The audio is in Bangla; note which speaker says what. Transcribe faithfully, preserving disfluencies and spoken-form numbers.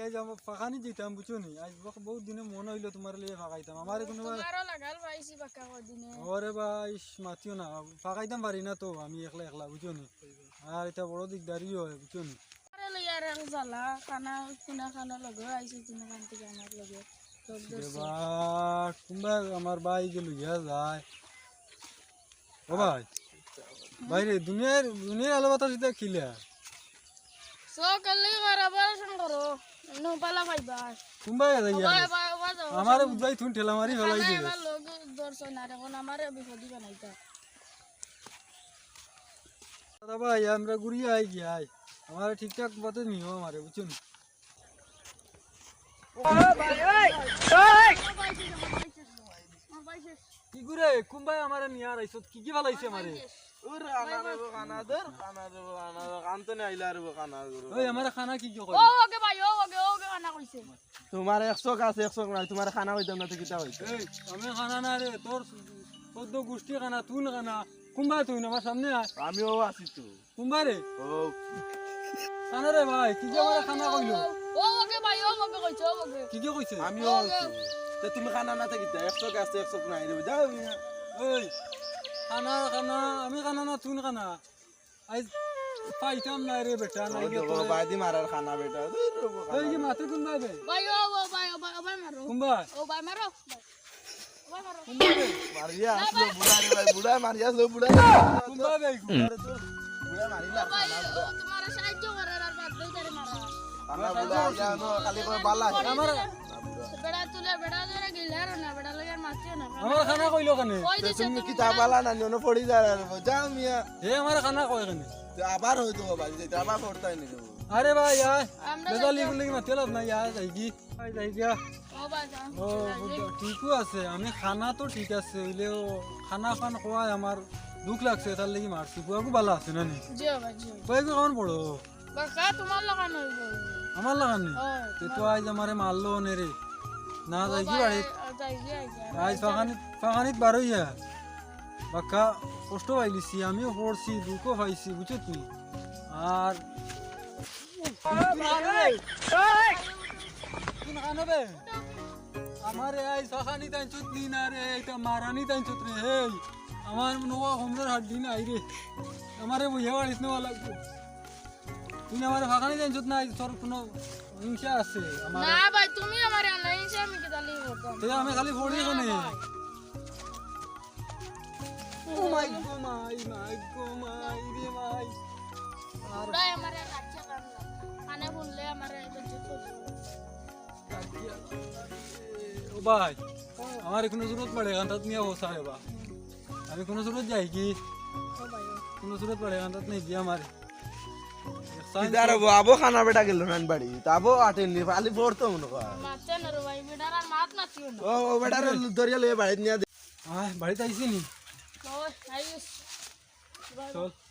Speaker 1: আজ আমার ফাঁকানি যেতাম বুঝছো নি আজ বহুত দিনে মনে হইলো তোমার লিয়ে ফাঁকাইতাম আমার কোনো
Speaker 2: তোমারও লাগাল পাইছি বাকা দিনে
Speaker 1: ওরে ভাই মাতিও না ফাঁকাইতাম পারি না তো আমি একলা একলা বুঝছো নি আর এটা বড় দিকদারি হয় বুঝছো নি
Speaker 2: আরে লইয়ার এক জ্বালা খানা কিনা খানা লগে আইছি কিনা খান থেকে আমার লগে সব ধরছে
Speaker 1: বা কুম্বা আমার ভাই যে লইয়া যায় ও ভাই বাইরে দুনিয়ার দুনিয়ার আলো বাতাস এটা খিলা
Speaker 2: সকালে বরাবর শুন করো নো পালা পাইবা
Speaker 1: কুম্বা যাই
Speaker 2: বাই বাই বাই যাও
Speaker 1: আমারে বুঝাই থুন ঠেলা মারি ফেলাই দে
Speaker 2: আমার লোক দর্শন না এখন আমারে বিপদি বানাইতা
Speaker 1: দাদা ভাই আমরা ঘুরি আই গিয়ে আমার ঠিকঠাক মতো নিও আমারে বুঝছো নি কি করে কুম্বাই আমারে নিয়া আইছত কি কি ভালাইছে আমারে
Speaker 3: ওরে খানা দেব খানা দর খানা দেব খানা কানতে না আইলা রে খানা গুরু
Speaker 1: ওই আমারে খানা কি কি
Speaker 2: ও
Speaker 1: কই
Speaker 2: ওকে ভাই ও ওকে ওকে খানা কইছে
Speaker 3: তোমার একশো আছে একশো নাই তোমার খানা হইতাম না তো কিটা হইছে
Speaker 1: এই আমি খানা না রে তোর চোদ্দ গোষ্ঠী খানা তুই না খানা কুম্বা তুই আমার সামনে আয়
Speaker 3: আমিও আছি তো
Speaker 1: কুম্বা রে
Speaker 3: ও
Speaker 1: খানা রে ভাই কি যে আমারে খানা কইলো
Speaker 2: ও ওকে ভাই ও ওকে কইছে ও ওকে
Speaker 1: কি কি কইছে
Speaker 3: আমিও আছি তো তুমি খানা না থাকিতা একশো আছে একশো নাই দেব যাও মিয়া
Speaker 1: ওই খানা খানা আমি খানা না তুই খানা আজ পাইতাম না রে বেটা না
Speaker 3: ও বাদি মারার খানা বেটা
Speaker 1: ওই যে মাতে কুম্বা বে
Speaker 2: ভাই ও ও ভাই ও ভাই ও ভাই মারো
Speaker 1: কুম্বা
Speaker 2: ও ভাই মারো ও ভাই মারো
Speaker 1: কুম্বা বে
Speaker 3: মারিয়া আসলো বুড়া রে ভাই বুড়া মারিয়া আসলো বুড়া
Speaker 1: কুম্বা বে কুম্বা
Speaker 3: বুড়া মারিলা
Speaker 2: ভাই তোমার সাহায্য করার আর বাদ দেই তারে মারা
Speaker 3: খানা বুড়া আইয়া নো খালি করে বালা
Speaker 1: আমার
Speaker 2: বেড়া তুলে বেড়া ধরে গিলার না বেড়া লাগে মারছিও না
Speaker 1: আমার খানা কইলো কেন
Speaker 2: কই দিছে
Speaker 3: তুমি কি তা বালা না নো পড়ি যা যাও মিয়া
Speaker 1: হে আমার খানা কই কেন
Speaker 3: তো আবার হইতো ভাই যেটা আবার পড়তাই নি
Speaker 1: আরে ভাই আয়
Speaker 2: আমরা
Speaker 1: বেদালি বলে কি মাতে লাভ নাই আয় যাই কি আয় যাই গিয়া
Speaker 2: ও ভাই যা
Speaker 1: ও ঠিকও আছে আমি খানা তো ঠিক আছে হইলেও খানা খান খোয়াই আমার দুঃখ লাগছে তার লাগি মারছি বুয়াকু ভালো আছে না নি
Speaker 2: জিও ভাই জিও
Speaker 1: কয়েকু কেমন পড়ো
Speaker 2: বাকা তোমার লাগান হইব
Speaker 1: আমার লাগানি
Speaker 2: হয়
Speaker 1: তে তো আজ আমারে মারলো নে রে না যাই কি বাড়ি
Speaker 2: যাই যাই
Speaker 1: আজ ফাঁকানিত ফাঁকানিত বার হইয়া বাক্কা কষ্ট পাইলিছি আমিও পড়ছি দুঃখও পাইছি বুঝছো তুই আর আমার এই সাখানি তাই চুতলি না রে এটা মারানি তাই চুত রে হে আমার নোয়া হোমরের হাড্ডি নাই রে আমারে বুঝে বাড়িস নেওয়া লাগবে তুই আমার ফাঁকানি তাই চুত নাই তোর কোনো হিংসা আছে আমার
Speaker 2: না ভাই তুমি আমার নাই সে আমি কি জানি করতাম
Speaker 1: তুই আমি খালি পড়ি এখানে ও মাই গো মাই মাই গো মাই রে মাই আর
Speaker 2: পুরাই আমার কাছে কাম না কানে শুনলে আমার বেজ্জত হইছে
Speaker 1: ও ভাই আমার কোনো জরুরত পড়ে গানটা নিয়ে বসা है बा আমি কোনো জরুরত যাই কি
Speaker 2: ও ভাই
Speaker 1: কোনো জরুরত পড়ে গানটা नहीं दिया हमारे
Speaker 3: ইদার আবো খানা বেটা গেল নান বাড়ি তাবো আটেন নি খালি পড়তো মনে কর
Speaker 2: মাতে না রে ভাই বেটার আর মাত না ছিল না
Speaker 3: ও ও বেটার দরিয়া লয়ে বাড়ি নিয়া
Speaker 1: আয় বাড়িতে আইছি নি
Speaker 2: ও আইস
Speaker 1: চল